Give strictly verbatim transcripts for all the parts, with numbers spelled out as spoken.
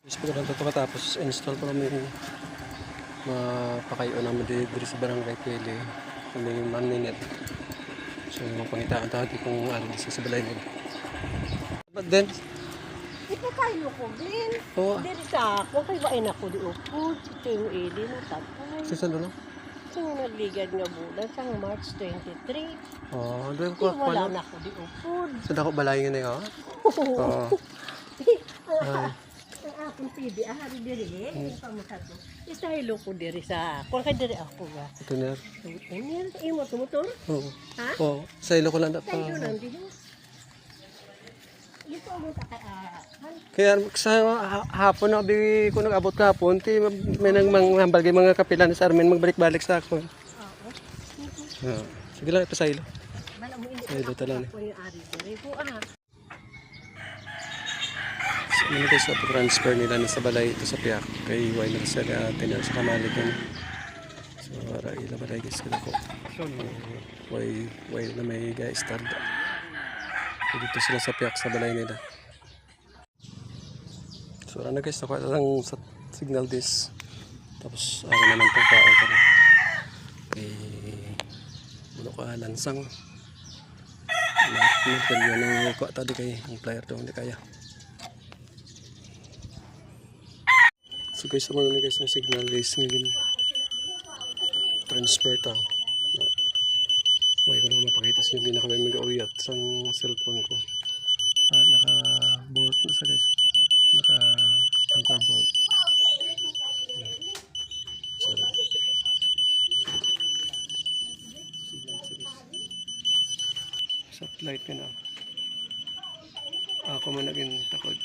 Yes, pag ito katapos, install ko namin mapakayo namin dito sa barangay Pili. Kami maninet. So, mapangitaan tagi kung ano sa balay nila. But then, Ito kayo ko, Glenn. Oo. Diri sa ako, kay bain ako di upod. Ito yung ili mo, tatay. sa salo no? Ito yung nagligad nga bulan sa March twenty-three. Oh, doon Di ko wala ako. na ako di upod. Sa dako balay nga na yun. Oo. Ay. Ang akong T V, ah, hari diri, eh. Yung pamusa to. Istahilo ko diri sa ako. Kaya diri ako nga. Ito na. Ano imo to motor? Oo. Ha? Oo. Sa ilo ko lang na pa. Tayo lang din. Ito mo ta kay ah. Kaya sa ha- hapon na bi ko nag-abot kahapon, ti may nang manghambal kay mga kapilan sa Armin magbalik-balik sa ako. Oo. Oo. Sige lang ito sa ilo. Wala mo hindi Ay, ako dito lang eh. ako yung ari diri ko ah. So, ano guys, sa transfer nila na sa balay ito sa Piak kay Way na sa tener sa Kamalig yan. So, para ila balay guys kada ko. So, way way na may guys start. So, dito sila sa Piak sa balay nila. So, ano guys, nakuha lang sa signal this. Tapos, ano naman itong pao ka na. Kay, bulo ka, lansang. Lahat mo, yan ang kuha tadi kay ang player daw, hindi kaya. So guys, naman na guys ng signal guys ngayon. Transfer tao. Huwag ko lang mapakita sa inyo, hindi na kami mag-uyat sa cellphone ko. Ah, naka-bolt na sa guys. Naka-anchor bolt. Sorry. Signal sa guys. Satellite ka na. Ako man naging takot.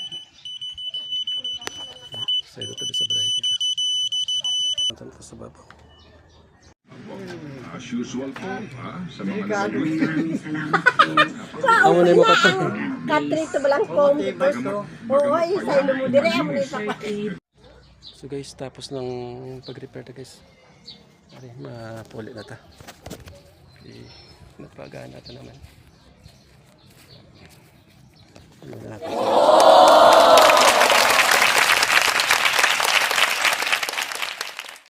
Sa ito tabi sa balay nila. Ito na sa babaw. As usual po, ha? Sa mga nag-uwi. Amo na yung makata. Katrito balang kom. Oo, ay sa ilo mo dire amo ni kapatid. So guys, tapos ng pag-repair na guys. Ari, mapuli na ta. Okay, napagana ta naman. Ano na natin.